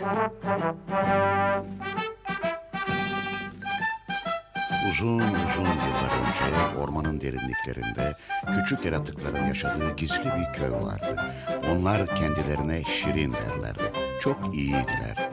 Uzun uzun yıllar önce ormanın derinliklerinde küçük yaratıkların yaşadığı gizli bir köy vardı. Onlar kendilerine Şirin derlerdi. Çok iyiydiler.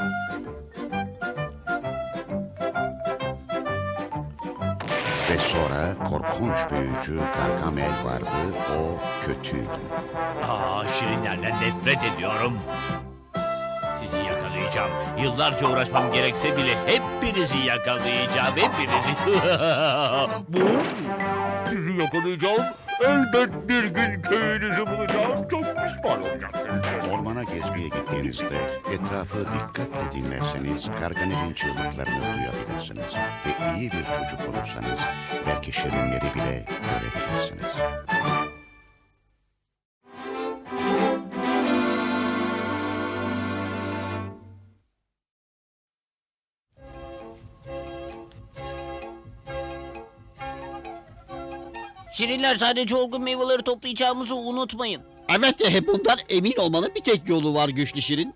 Ve sonra korkunç büyücü Gargamel vardı. O kötüydü. Şirinlerden nefret ediyorum. Sizi yakalayacağım. Yıllarca uğraşmam gerekse bile hepinizi yakalayacağım. Hepinizi. Bu? Sizi yakalayacağım. Elbet bir gün köyünüzü bulacağım. Çok pişman olacaksınız. Ormana gezmeye gittiğinizde etrafı dikkatle dinlerseniz Gargamel'in çığlıklarını duyabilirsiniz. Ve iyi bir çocuk olursanız belki şirinleri bile görebilirsiniz. Şirinler, sadece olgun meyveleri toplayacağımızı unutmayın. Evet, bundan emin olmanın bir tek yolu var güçlü Şirin.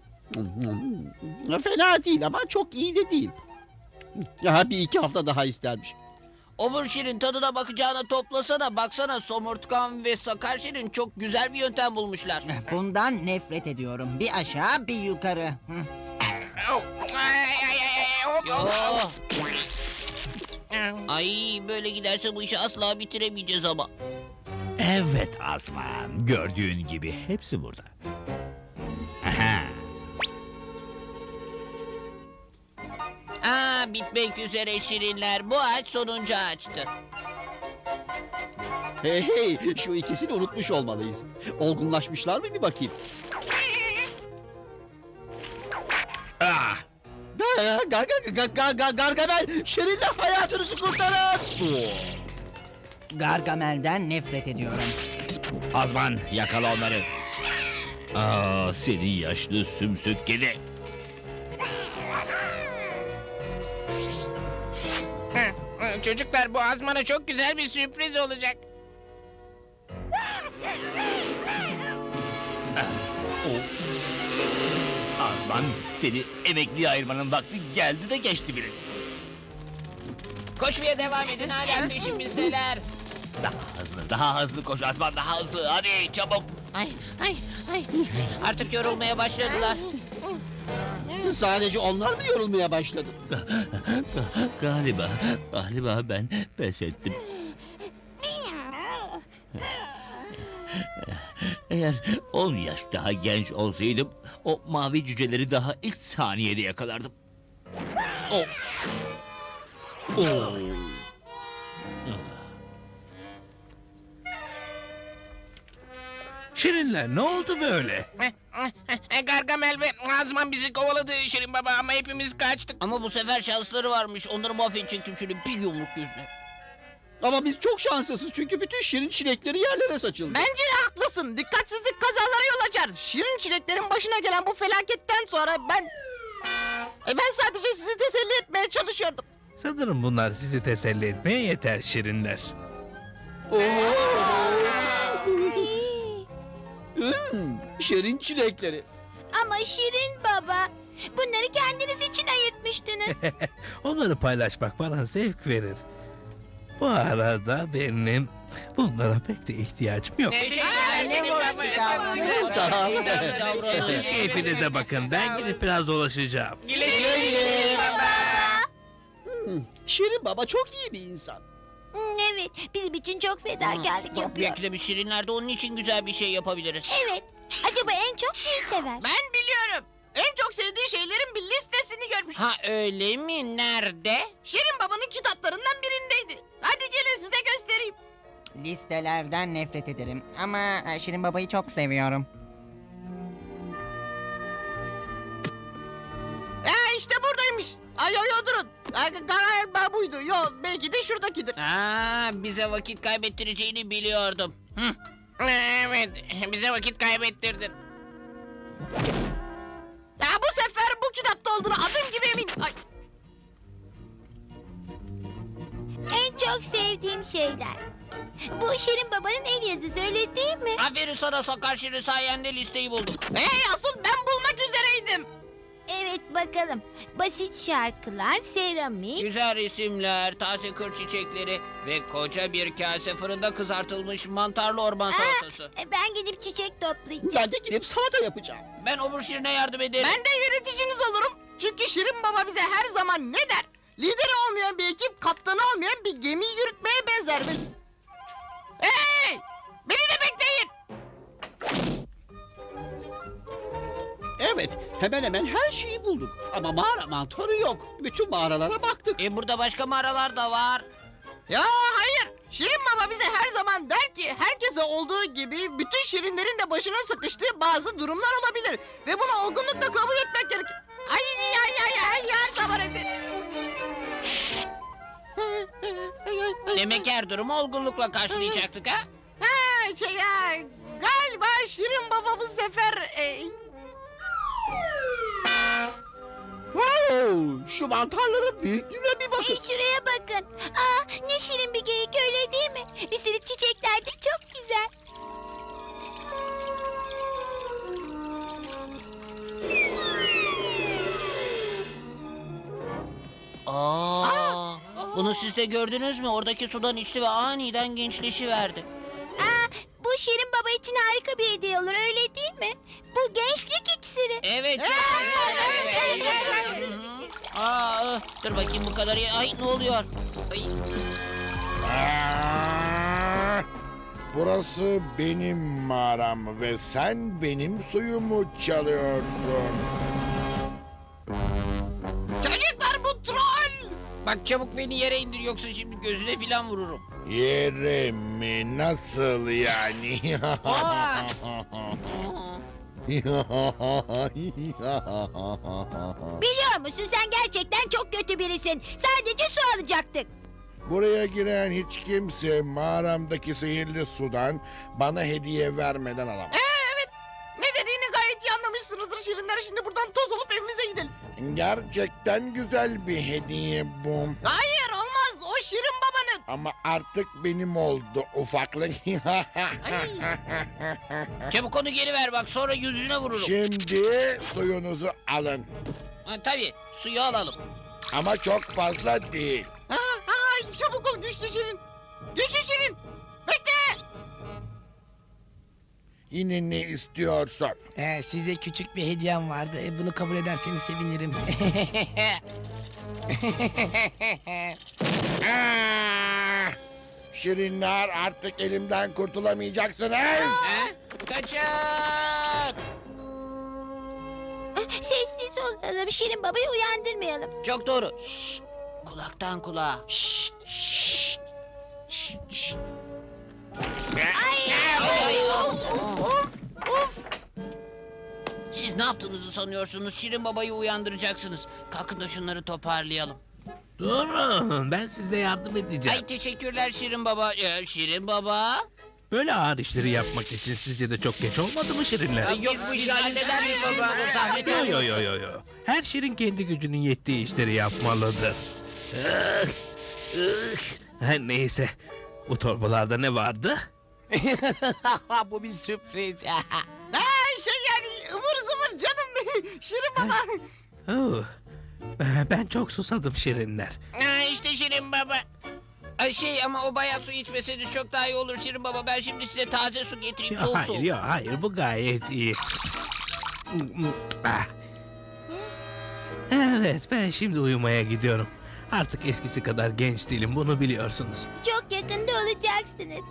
Fena değil ama çok iyi de değil. Ya bir iki hafta daha istermiş. Obur Şirin, tadına bakacağına toplasana. Baksana, Somurtkan ve Sakar Şirin çok güzel bir yöntem bulmuşlar. Bundan nefret ediyorum. Bir aşağı bir yukarı. Yo. Ay, böyle giderse bu işi asla bitiremeyeceğiz ama. Evet Azman. Gördüğün gibi hepsi burada. Aha. Bitmek üzere Şirinler. Bu ağaç sonuncu ağaçtı. Hey, şu ikisini unutmuş olmalıyız. Olgunlaşmışlar mı bir bakayım. Ah! Gargamel, Şirin'le hayatınızı kurtarın. Gargamel'den nefret ediyorum. Azman, yakala onları. Seni yaşlı sümsük kedi. Çocuklar, bu Azman'a çok güzel bir sürpriz olacak. Azman, seni emekliye ayırmanın vakti geldi de geçti bile. Koşmaya devam edin, hala peşimizdeler. Daha hızlı koş Azman, daha hızlı. Hadi çabuk. Ay. Artık yorulmaya başladılar. Sadece onlar mı yorulmaya başladı? Galiba ben pes ettim. Eğer 10 yaş daha genç olsaydım, o mavi cüceleri daha ilk saniyede yakalardım. Oh. Oh. Şirinler ne oldu böyle? Gargamel ve Azman bizi kovaladı Şirin Baba, ama hepimiz kaçtık. Ama bu sefer şansları varmış. Onları mahvedecektim şöyle bir yumruk yüzüne. Ama biz çok şanslısız çünkü bütün Şirin çilekleri yerlere saçıldı. Bence de haklısın. Dikkatsizlik kazalara yol açar. Şirin çileklerin başına gelen bu felaketten sonra ben sadece sizi teselli etmeye çalışıyordum. Sanırım bunlar sizi teselli etmeye yeter Şirinler. Şirin çilekleri. Ama Şirin Baba, bunları kendiniz için ayırtmıştınız. Onları paylaşmak bana zevk verir. Bu arada benim bunlara pek de ihtiyacım yok. Teşekkürler Şirin Baba. Sağ olun. Siz keyfinize bakın, ben gidip biraz dolaşacağım. Güle güle Şirin Baba. Şirin Baba çok iyi bir insan. Evet, bizim için çok fedakarlık yapıyor. Belki de biz Şirinler de onun için güzel bir şey yapabiliriz. Evet, acaba en çok neyi sever? Ben biliyorum. En çok sevdiği şeylerin bir listesini görmüş. Ha, öyle mi? Nerede? Şirin Baba'nın kitaplarından birindeydi. Hadi gelin size göstereyim. Listelerden nefret ederim ama Şirin Baba'yı çok seviyorum. İşte buradaymış. Ay durun. Galiba buydu. Yo, belki de şuradakidir. Bize vakit kaybettireceğini biliyordum. Evet, bize vakit kaybettirdin. Bu sefer bu kitapta olduğunu adım gibi eminim. Ay. En çok sevdiğim şeyler. Bu Şirin Baba'nın el yazısı, öyle değil mi? Aferin sana Sakar Şirin, sayende listeyi bulduk. Asıl ben bulmak üzereydim. bakalım. Basit şarkılar, seramik. Güzel resimler, taze kır çiçekleri ve koca bir kase fırında kızartılmış mantarlı orman salatası. Ben gidip çiçek toplayacağım. Ben de gidip salata yapacağım. Ben obur Şirin'e yardım ederim. Ben de yöneticiniz olurum. Çünkü Şirin Baba bize her zaman ne der? Lideri olmayan bir ekip, kaptanı olmayan bir gemiyi yürütmeye benzer. Hey! Beni de bekleyin. Evet, hemen hemen her şeyi bulduk. Ama mağara mantarı yok. Bütün mağaralara baktık. Burada başka mağaralar da var. Ya hayır. Şirin Baba bize her zaman der ki herkese olduğu gibi bütün şirinlerin de başına sıkıştığı bazı durumlar olabilir. Ve bunu olgunlukla kabul etmek gerekir. Ay ya sabır edin. Demek her durumu olgunlukla karşılayacaktık ha? Galiba Şirin Baba bu sefer... Wow, şu mantarların büyüklüğüne bir bakın. Şuraya bakın. Ne şirin bir geyik, öyle değil mi? Üstelik çiçekler de çok güzel. Bunu siz de gördünüz mü? Oradaki sudan içti ve aniden gençleşiverdi. Bu Şirin Baba için harika bir hediye olur, öyle değil mi? Bu gençlik iksiri. Evet. Evet. Dur bakayım bu kadar. Ay ne oluyor? Ay. Burası benim mağaram ve sen benim suyumu çalıyorsun. Çocuklar bu troll. Bak çabuk beni yere indir yoksa şimdi gözüne filan vururum. Yere mi? Nasıl yani? Aa! Biliyor musun, sen gerçekten çok kötü birisin. Sadece su alacaktık. Buraya giren hiç kimse mağaramdaki sihirli sudan bana hediye vermeden alamaz. Evet. Ne dediğini gayet iyi anlamışsınızdır Şirinler. Şimdi buradan toz olup evimize gidelim. Gerçekten güzel bir hediye bu. Hayır olmaz. O Şirin Baba'nın. Ama artık benim oldu ufaklık. Çabuk onu geri ver bak sonra yüzüne vururum. Şimdi suyunuzu alın. Tabii suyu alalım. Ama çok fazla değil. Çabuk ol güçlü Şirin. Güçlü Şirin. Bekle. Yine ne istiyorsun? Size küçük bir hediyem vardı. Bunu kabul ederseniz sevinirim. Ah! Şirinler artık elimden kurtulamayacaksınız. Kaçın! Sessiz olalım, Şirin Baba'yı uyandırmayalım. Çok doğru. Şşt, kulaktan kulağa. Şşt, şşt, şşt, şşt. Of. Siz ne yaptığınızı sanıyorsunuz? Şirin Baba'yı uyandıracaksınız. Kalkın da şunları toparlayalım. Durun, ben size yardım edeceğim. Ay teşekkürler Şirin Baba. Şirin Baba. Böyle ağır işleri yapmak için sizce de çok geç olmadı mı şirinler? Yok bu işi halleder mi baba? Bu zahmet Yo. Her şirin kendi gücünün yettiği işleri yapmalıdır. Her neyse. Bu torbalarda ne vardı? Bu bir sürpriz. Ivır zıvır canım. Şirin Baba. Oh, ben çok susadım şirinler. İşte Şirin Baba. Ama o bayağı su içmeseniz çok daha iyi olur Şirin Baba. Ben şimdi size taze su getireyim soğuk soğuk. Hayır bu gayet iyi. Ah. Evet ben şimdi uyumaya gidiyorum. Artık eskisi kadar genç değilim bunu biliyorsunuz. Çok yakında olacaksınız.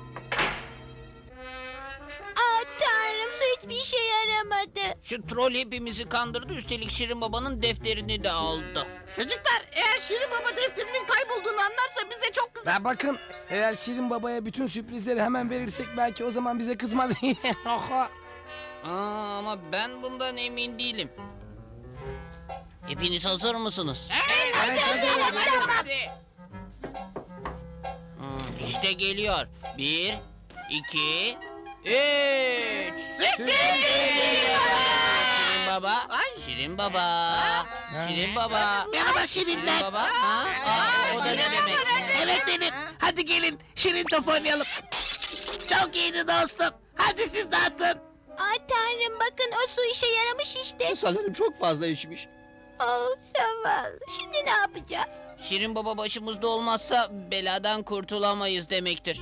Tanrım, su hiçbir işe yaramadı. Şu troll hepimizi kandırdı. Üstelik Şirin Baba'nın defterini de aldı. Çocuklar eğer Şirin Baba defterinin kaybolduğunu anlarsa bize çok kızar. Ya bakın eğer Şirin Baba'ya bütün sürprizleri hemen verirsek belki o zaman bize kızmaz. Ama ben bundan emin değilim. Hepiniz hazır mısınız? Hadi. İşte geliyor. 1, 2, 3. Şirin Baba. Şirin Baba. Şirin Baba. Merhaba Şirinler. Şirin Baba. O da ne demek? Evet benim. Hadi gelin Şirin top oynayalım. Çok iyiydi dostum. Hadi siz dağıtın. Tanrım, bakın o su işe yaramış işte. Sanırım çok fazla içmiş. Oh zavallı. Şimdi ne yapacağız? Şirin baba başımızda olmazsa beladan kurtulamayız demektir.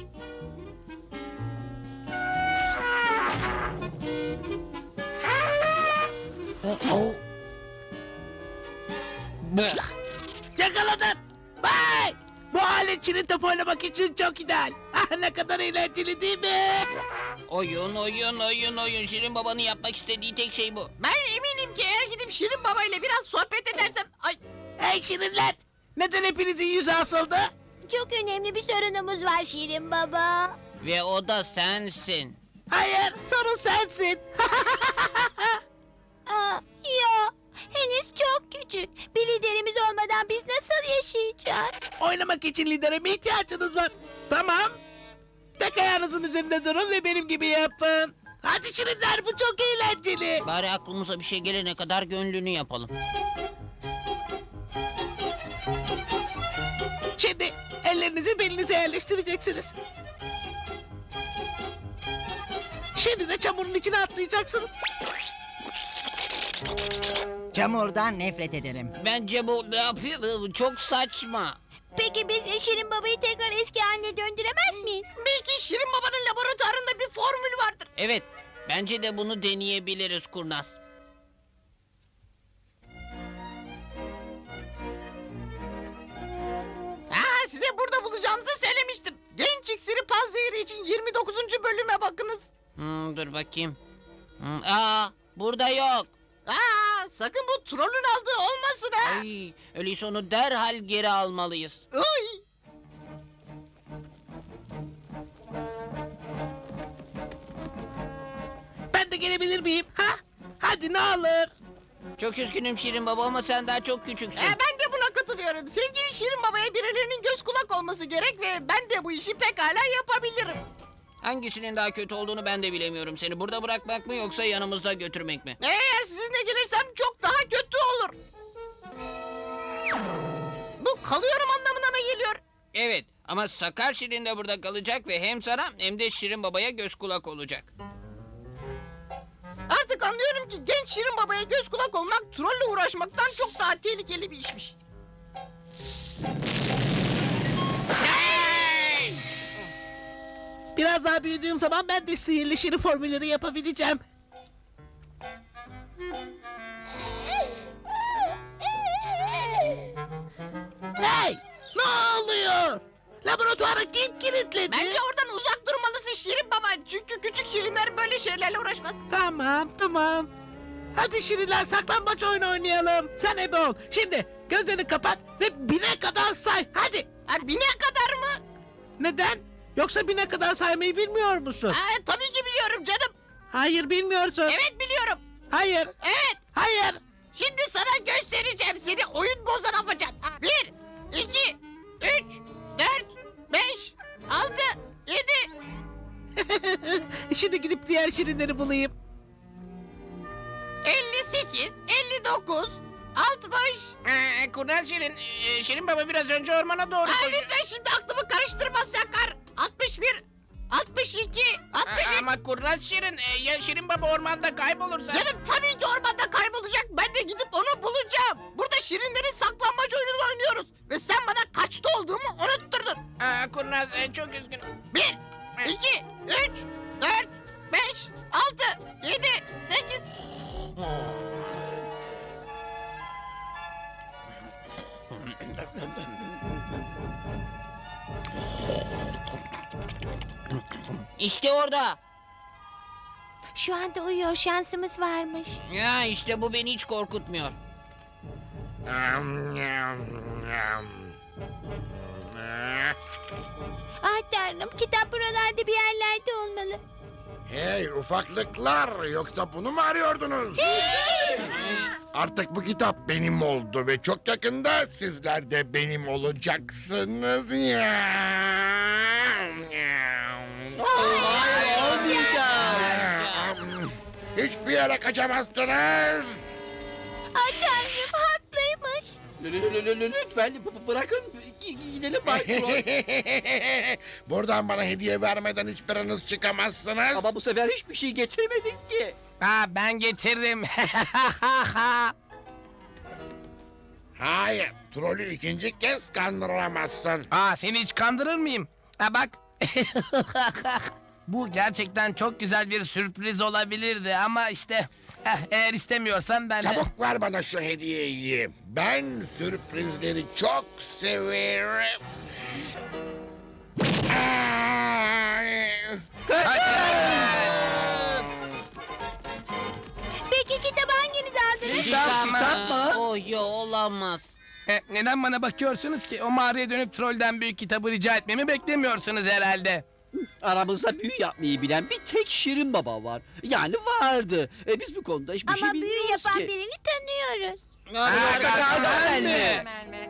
Yakaladım. Vay! Bu alet şirin top oynamak için çok ideal. Ah, ne kadar eğlenceli değil mi? Oyun, oyun, oyun, oyun. Şirin babanın yapmak istediği tek şey bu. Ben eminim ki eğer gidip Şirin Baba ile biraz sohbet edersem... Ay, Hey şirinler! Neden hepinizin yüzü asıldı? Çok önemli bir sorunumuz var Şirin Baba. Ve o da sensin. Hayır, sorun sensin. Aa, ya henüz çok küçük. Bir liderimiz olmadan biz nasıl yaşayacağız? Oynamak için lidere mi ihtiyacınız var? Tamam. Tek ayağınızın üzerinde durun ve benim gibi yapın. Hadi şirinler, bu çok eğlenceli. Bari aklımıza bir şey gelene kadar gönlünü yapalım. Şimdi ellerinizi belinize yerleştireceksiniz. Şimdi de çamurun içine atlayacaksınız. çamurdan nefret ederim. Bence bu ne yapıyor? Çok saçma. Peki biz Şirin Baba'yı tekrar eski haline döndüremez miyiz? Belki Şirin Baba'nın laboratuvarında bir formül vardır. Evet, bence de bunu deneyebiliriz kurnaz. Size burada bulacağımızı söylemiştim. Genç iksiri panzehiri için 29. bölüme bakınız. Dur bakayım. Burada yok. Sakın bu trollün aldığı olmasın ha. Ay, öyleyse onu derhal geri almalıyız. Ay. Ben de gelebilir miyim? Ha? Hadi ne olur. Çok üzgünüm Şirin baba ama sen daha çok küçüksün. Ben de buna katılıyorum. Sevgili Şirin Baba'ya birilerinin göz kulak olması gerek ve ben de bu işi pekala yapabilirim. Hangisinin daha kötü olduğunu ben de bilemiyorum. Seni burada bırakmak mı yoksa yanımızda götürmek mi? Eğer sizinle gelirsem çok daha kötü olur. Bu kalıyorum anlamına mı geliyor? Evet ama Sakar Şirin de burada kalacak ve hem sana hem de Şirin babaya göz kulak olacak. Artık anlıyorum ki genç Şirin Baba'ya göz kulak olmak trolle uğraşmaktan çok daha tehlikeli bir işmiş. Biraz daha büyüdüğüm zaman ben de sihirli şirin formülleri yapabileceğim. Hey! Ne oluyor? Laboratuvarı kim kilitledi? Bence oradan uzak durmalısın Şirin Baba. Çünkü küçük şirinler böyle şeylerle uğraşmaz. Tamam. Hadi şirinler, saklambaç oyunu oynayalım. Sen ebe ol. Şimdi gözlerini kapat ve 1000'e kadar say. Hadi. 1000'e kadar mı? Neden? Yoksa 1000'e kadar saymayı bilmiyor musun? Tabii ki biliyorum canım. Hayır, bilmiyorsun. Evet biliyorum. Hayır. Evet. Hayır. Şimdi sana göstereceğim. Seni oyun bozan afacan. 1, 2, 3, 4, 5, 6, 7, Şimdi gidip diğer şirinleri bulayım. 58, 59, 60. Kurnaz Şirin, Şirin baba biraz önce ormana doğru koşuyor. Lütfen şimdi aklımı karıştırma Sakar. 61, 62, 63. Ama Kurnaz Şirin, ya Şirin baba ormanda kaybolursa? Canım tabii ki ormanda kaybolacak. Ben de gidip onu bulacağım. Burada şirinlerin saklambaç oyununu oynuyoruz. Ve sen bana kaçta olduğumu unutturdun. Kurnaz çok üzgünüm. 1, 2, 3, 4, 5, 6, 7, 8. İşte orada. Şu anda uyuyor, şansımız varmış. Ya işte bu beni hiç korkutmuyor. Ah tanrım, kitap buralarda bir yerlerde olmalı. Hey ufaklıklar, yoksa bunu mu arıyordunuz? Artık bu kitap benim oldu ve çok yakında sizler de benim olacaksınız. Hiçbir yere kaçamazsınız. Ah tanrım, haklıymış. Lütfen bırakın gidelim Bay Troll. Buradan bana hediye vermeden hiçbiriniz çıkamazsınız. Ama bu sefer hiçbir şey getirmedik ki. Ben getirdim. Hayır, trolü ikinci kez kandıramazsın. Aa, seni hiç kandırır mıyım? Ha bak. Bu gerçekten çok güzel bir sürpriz olabilirdi ama işte eğer istemiyorsan ben... Çabuk ver bana şu hediyeyi. Ben sürprizleri çok severim. Ay! Peki kitabı hanginiz aldınız? Kitap mı? Oh ya olamaz. Neden bana bakıyorsunuz ki? O mağaraya dönüp trolden büyük kitabı rica etmemi beklemiyorsunuz herhalde. Aramızda büyü yapmayı bilen bir tek Şirin Baba var. Yani vardı. Biz bu konuda hiçbir şey Ama büyü bilmiyoruz yapan ki. birini tanıyoruz. Yoksa Gargamel mi?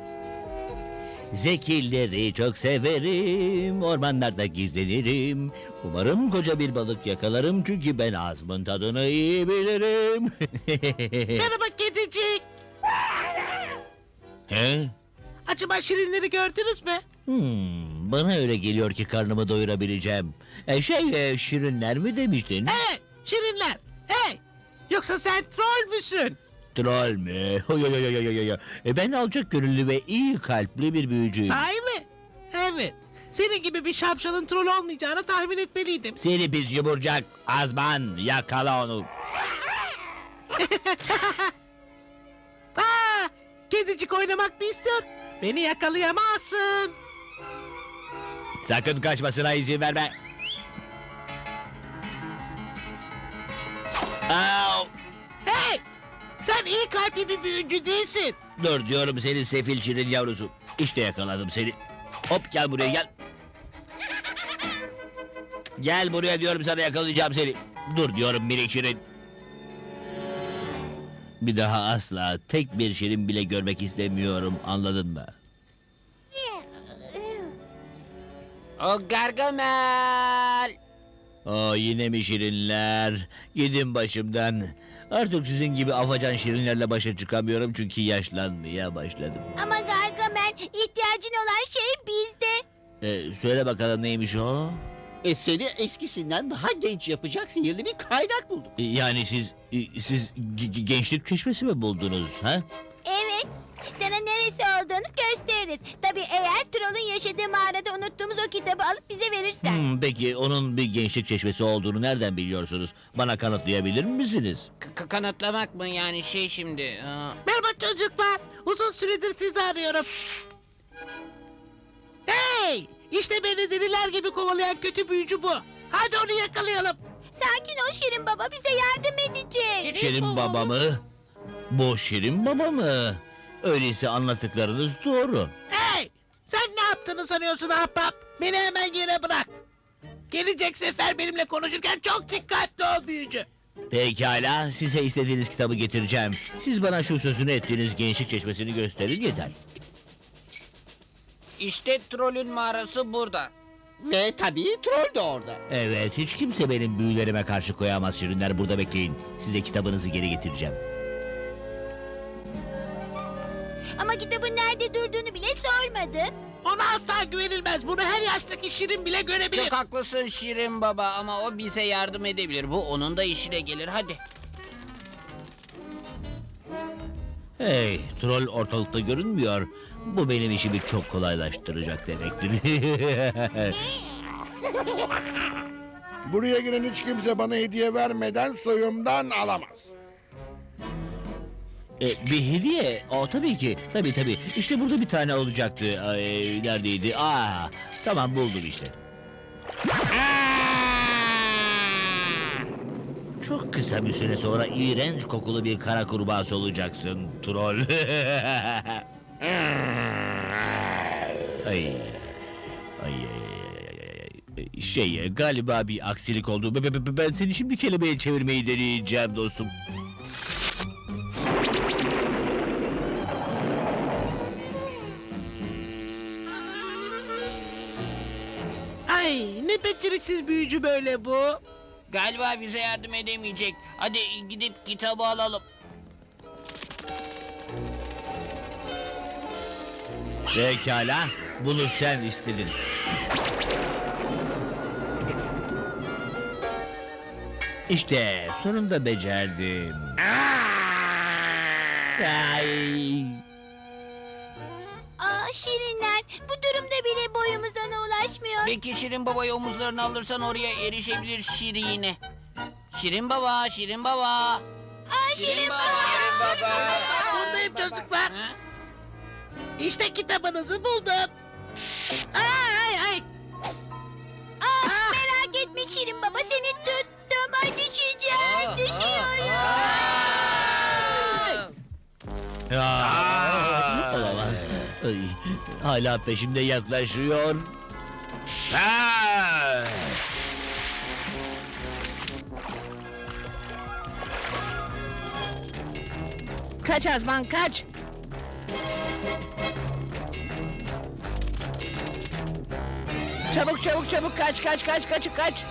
Zekilleri çok severim, ormanlarda gizlenirim. Umarım koca bir balık yakalarım çünkü ben ağzımın tadını iyi bilirim. Merhaba kedicik. He? Acaba şirinleri gördünüz mü? Bana öyle geliyor ki karnımı doyurabileceğim. Şirinler mi demiştin? Evet, şirinler. Hey! Yoksa sen troll müsün? Troll mü? Ben alçak gönüllü ve iyi kalpli bir büyücüyüm. Sahi mi? Evet. Senin gibi bir şapşalın troll olmayacağını tahmin etmeliydim. Seni pis yumurcak, Azman, yakala onu. Aa, kedicik oynamak mı istiyor? Beni yakalayamazsın. Sakın kaçmasına izin verme. Au! Hey! Sen iyi kalpli bir büyücü değilsin. Dur diyorum seni sefil şirin yavrusu. İşte yakaladım seni. Hop gel buraya gel. Gel buraya diyorum sana yakalayacağım seni. Dur diyorum minik şirin. Bir daha asla tek bir şirin bile görmek istemiyorum anladın mı? O Gargamel. Yine mi şirinler? Gidin başımdan. Artık sizin gibi afacan şirinlerle başa çıkamıyorum çünkü yaşlanmaya başladım. Ama Gargamel, ihtiyacın olan şey bizde. Söyle bakalım neymiş o? Seni eskisinden daha genç yapacak sihirli bir kaynak bulduk. Yani siz gençlik çeşmesi mi buldunuz ha? Evet, sana neresi olduğunu gösteririz. Tabii eğer trollün yaşadığı mağarada unuttuğumuz o kitabı alıp bize verirsen. Peki onun bir gençlik çeşmesi olduğunu nereden biliyorsunuz? Bana kanıtlayabilir misiniz? Kanıtlamak mı yani şey şimdi? Merhaba çocuklar. Uzun süredir sizi arıyorum. Hey! İşte beni deliler gibi kovalayan kötü büyücü bu. Hadi onu yakalayalım. Sakin ol Şirin Baba, bize yardım edecek. Şirin baba mı? Bu Şirin baba mı? Öyleyse anlattıklarınız doğru. Hey! Sen ne yaptığını sanıyorsun ahbap? Beni hemen yere bırak. Gelecek sefer benimle konuşurken çok dikkatli ol büyücü. Pekala, size istediğiniz kitabı getireceğim. Siz bana şu sözünü ettiğiniz gençlik çeşmesini gösterin yeter. İşte trolün mağarası burada. Ve tabii troll de orada. Evet, hiç kimse benim büyülerime karşı koyamaz şirinler. Burada bekleyin. Size kitabınızı geri getireceğim. Ama kitabın nerede durduğunu bile sormadı. Ona asla güvenilmez. Bunu her yaştaki şirin bile görebilir. Çok haklısın Şirin Baba ama o bize yardım edebilir. Bu onun da işine gelir. Hadi. Hey, troll ortalıkta görünmüyor. Bu benim işimi çok kolaylaştıracak demektir. Buraya giren hiç kimse bana hediye vermeden soyumdan alamaz. Bir hediye? Tabii ki. Tabii. İşte burada bir tane olacaktı. Neredeydi? Tamam buldum işte. Çok kısa bir süre sonra iğrenç kokulu bir kara kurbağası olacaksın troll. Ay. Galiba bir aksilik oldu. Ben seni şimdi kelimeye çevirmeyi deneyeceğim dostum. Ay ne beceriksiz büyücü böyle bu. Galiba bize yardım edemeyecek. Hadi gidip kitabı alalım. Pekala, bunu sen istedin. İşte sonunda becerdim. Ay. Şirinler, bu durumda bile boyumuz ona ulaşmıyor. Belki Şirin Baba'yı omuzlarına alırsan oraya erişebilir Şirin'e. Şirin Baba, Şirin Baba. Aa, Şirin Baba. Buradayım çocuklar. Ha? İşte kitabınızı buldum. Ay ay. Merak etme Şirin Baba, seni tuttum. Ay düşeceğim, düşüyorum. Olamaz. Ay, hala peşimde yaklaşıyor. Ha! Kaç Azman kaç. Çabuk çabuk çabuk kaç kaç kaç kaç kaç.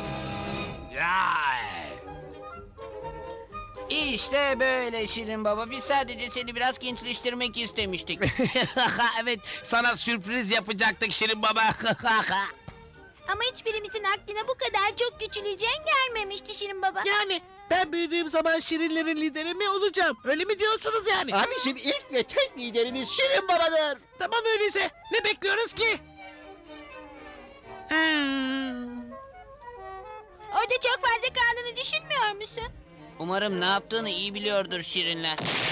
İşte böyle Şirin Baba. Biz sadece seni biraz gençleştirmek istemiştik. Evet, sana sürpriz yapacaktık Şirin Baba. Ama hiçbirimizin aklına bu kadar çok küçüleceğin gelmemişti Şirin Baba. Yani ben büyüdüğüm zaman Şirinlerin lideri mi olacağım? Öyle mi diyorsunuz yani? Abicim ilk ve tek liderimiz Şirin Baba'dır. Tamam öyleyse. Ne bekliyoruz ki? Orada çok fazla kaldığını düşünmüyor musun? Umarım ne yaptığını iyi biliyordur Şirinler.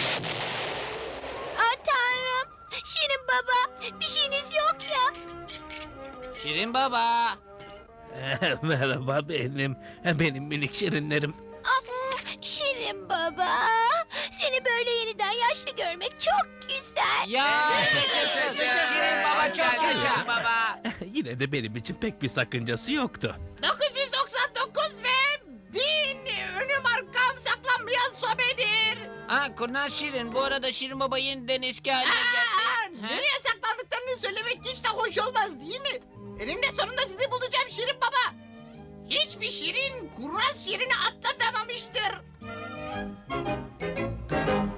Aa Tanrım, Şirin Baba, bir şeyiniz yok ya. Şirin Baba. Merhaba benim minik şirinlerim. Şirin Baba, seni böyle yeniden yaşlı görmek çok güzel. Ya Şirin Baba çok yaşa. Baba. Yine de benim için pek bir sakıncası yoktu. 999 ve 1000 önüm arkam saklanmayan sobedir. Ha kurnaz Şirin. Bu arada Şirin Baba yeniden eski haline geldi. Ha? Nereye saklandıklarını söylemek hiç de hoş olmaz değil mi? Eninde sonunda sizi bulacağım Şirin Baba. Hiçbir Şirin kurnaz Şirin'i atlatamamıştır.